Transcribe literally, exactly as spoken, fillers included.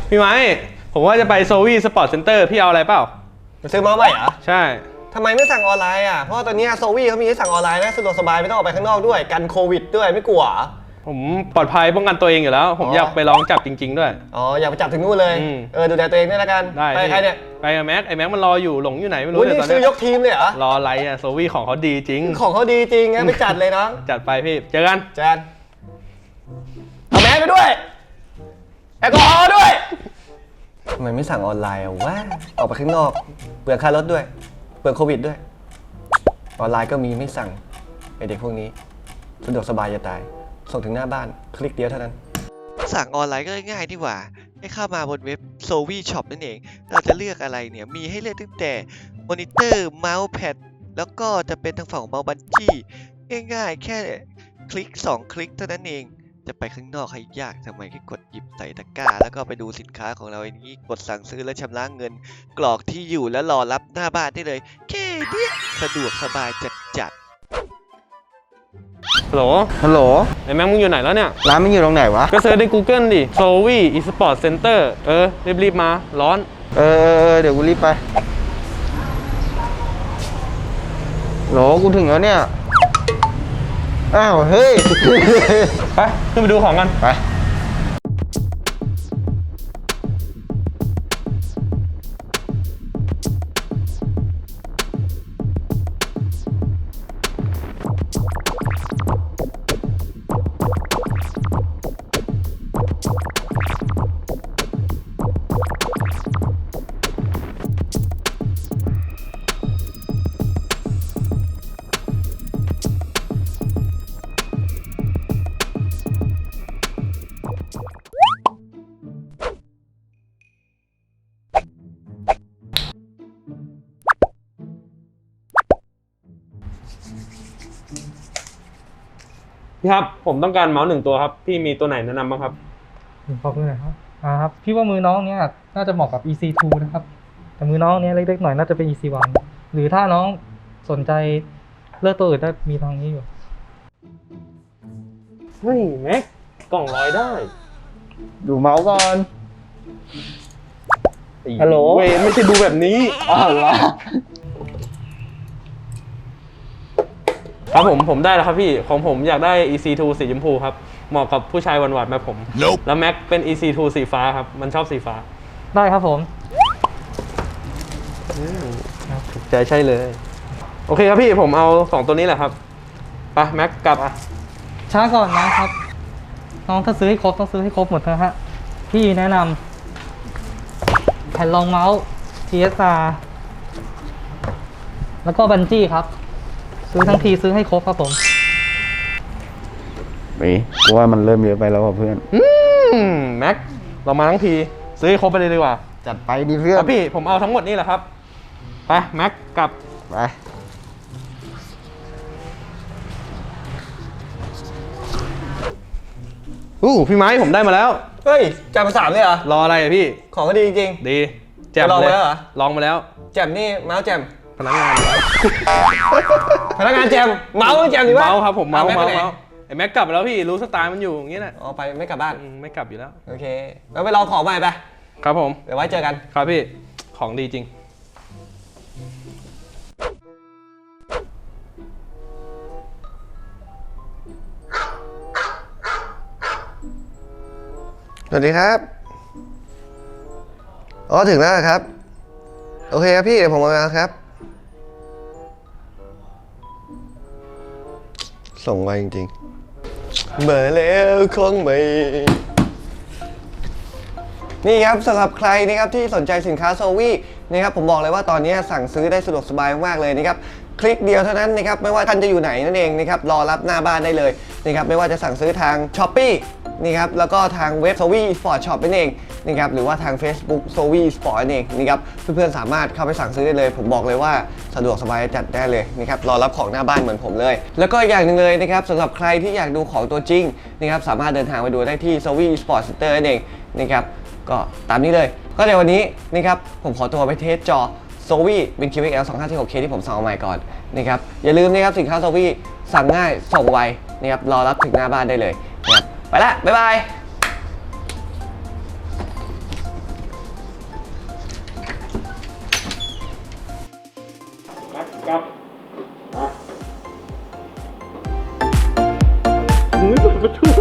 พี่ไม้ผมว่าจะไปโซวี่สปอร์ตเซ็นเตอร์พี่เอาอะไรเปล่ามาซื้อเมาส์ใหม่เหรอใช่ทำไมไม่สั่งออนไลน์อ่ะเพราะตอนนี้โซวี่เขามีให้สั่งออนไลน์นะสะดวกสบายไม่ต้องออกไปข้างนอกด้วยกันโควิดด้วยไม่กลัวผมปลอดภัยป้องกันตัวเองอยู่แล้วผมอยากไปลองจับจริงๆด้วยอ๋ออยากไปจับถึงนู่นเลยเออดูแลตัวเองด้วยละกันได้ไปใครเนี่ยไปกับแม็กไอ้แม็กมันรออยู่หลงอยู่ไหนไม่รู้เลยตอนนี้ซื้อยกทีมเลยเหรอรออะไรอ่ะโซวี่ของเขาดีจริงของเขาดีจริงงั้นไปจัดเลยน้องจัดไปพี่เจอกันเจอกันเอาแม็กไปด้วยแอลกอฮอล์ด้วยทำไมไม่สั่งออนไลน์อ่ะวะออกไปข้างนอกเปลืองค่ารถด้วยเปลืองโควิดด้วยออนไลน์ก็มีไม่สั่งไอเด็กพวกนี้สะดวกสบายจะตายส่งถึงหน้าบ้านคลิกเดียวเท่านั้นสั่งออนไลน์ก็ง่ายดีกว่าให้เข้ามาบนเว็บ โซวี่ ช็อป นั่นเองเราจะเลือกอะไรเนี่ยมีให้เลือกตั้งแต่มอนิเตอร์เมาส์แพดแล้วก็จะเป็นทางฝั่งของเมาส์บันจี้ง่ายๆแค่คลิกสองคลิกเท่านั้นเองจะไปข้างนอกให้ยากทำไมแค่กดหยิบใส่ตะกร้าแล้วก็ไปดูสินค้าของเราอย่างนี้กดสั่งซื้อและชำระเงินกรอกที่อยู่แล้วรอรับหน้าบ้านได้เลยแค่นี้สะดวกสบายจัดฮัลโหลฮัลโหลไอ้แม็กมึงอยู่ไหนแล้วเนี่ยร้านมันอยู่ตรงไหนวะก็เซิร์ชใน Google ดิ โซวี่ eSport Center เออรีบๆมาร้อนเออเดี๋ยวกูรีบไปโหลกูถึงแล้วเนี่ยอ้าวเฮ้ยไปขึ้นไปดูของกันไปพี่ครับผมต้องการเมาส์หนึ่งตัวครับพี่มีตัวไหนแนะนำบ้างครับขอบคุณนะครับอ่าครับพี่ว่ามือน้องเนี้ยน่าจะเหมาะกับ อี ซี ทู นะครับแต่มือน้องเนี้ยเล็กๆหน่อยน่าจะเป็น อี ซี วัน หรือถ้าน้องสนใจเลือกตัวอื่นได้มีทางนี้อยู่เฮ้ยแม็กกล่องลอยได้ดูเมาส์ก่อนฮัลโหลเว้ยไม่ใช่ดูแบบนี้อ้าวเหรอครับผมผมได้แล้วครับพี่ของผมอยากได้ อี ซี ทู สีชมพูครับเหมาะกับผู้ชายหวานๆแบบผม nope. แล้วแม็กเป็น อี ซี ทู สีฟ้าครับมันชอบสีฟ้าได้ครับผมถูกใจใช่เลยโอเคครับพี่ผมเอาสองตัวนี้แหละครับไปแม็กกลับอ่ะช้าก่อนนะครับน้องถ้าซื้อให้ครบต้องซื้อให้ครบหมดนะฮะพี่แนะนำแผ่นรองเมาส์ ที เอส อาร์ แล้วก็บันจี้ครับซื้อทั้งทีซื้อให้ครบครับผมมีกูว่ามันเริ่มเยอะไปแล้วเพื่อนอืมแม็กเรามาทั้งทีซื้อให้ครบไปเลยดีกว่าจัดไปดิเพื่อนพี่ผมเอาทั้งหมดนี่แหละครับไปแม็กกลับไปอู้พี่ไม้ผมได้มาแล้วเฮ้ยจ่ายมาสามเลยเหรอรออะไรอะพี่ของก็ดีจริงดีแจ่มเลยลองมาแล้วแจ่มนี่เมาส์แจ่มพนักงานพนักงานแจมเมาส์แจมดีวะเมาส์ครับผมเมาส์เมาส์ไอ้แม็กกลับแล้วพี่รู้สไตล์มันอยู่อย่างนี้แหละอ๋อไปไม่กลับบ้านไม่กลับอยู่แล้วโอเคแล้วไปลองของใหม่ไปครับผมเดี๋ยวไว้เจอกันครับพี่ของดีจริงสวัสดีครับอ๋อถึงแล้วครับโอเคครับพี่เดี๋ยวผมมาครับส่งไวจริงๆมาแล้วของใหม่นี่ครับสำหรับใครนะครับที่สนใจสินค้าโซวี่นะครับผมบอกเลยว่าตอนนี้สั่งซื้อได้สะดวกสบายมากเลยนะครับคลิกเดียวเท่านั้นนะครับไม่ว่าท่านจะอยู่ไหนนั่นเองนะครับรอรับหน้าบ้านได้เลยนะครับไม่ว่าจะสั่งซื้อทาง ช้อปปี้ นี่ครับแล้วก็ทางเว็บ โซวี่ สปอร์ต ช็อป นั่นเองนะครับหรือว่าทาง เฟซบุ๊ก โซวี่ สปอร์ต นั่นเองนะครับเพื่อนๆสามารถเข้าไปสั่งซื้อได้เลยผมบอกเลยว่าสะดวกสบายจัดได้เลยนะครับรอรับของหน้าบ้านเหมือนผมเลยแล้วก็อย่างหนึ่งเลยนะครับสำหรับใครที่อยากดูของตัวจริงนะครับสามารถเดินทางไปดูได้ที่ โซวี่ สปอร์ต เซ็นเตอร์ นั่นเองนะครับก็ตามนี้เลยก็ในวันนี้นะครับผมขอตัวไปเทสจอ โซวี่ เป็น คิว เอ็กซ์ แอล สองห้าสี่หกเค ที่ผมสั่งเอาใหม่ก่อนนะครับอย่าลืมนะครับสินค้า โซวี่ สั่งง่ายส่งไวนะครับรอรับถึงหน้าบ้านได้เลยนะครับไปละบ๊ายบายครับมามึงไม่เปิดประตู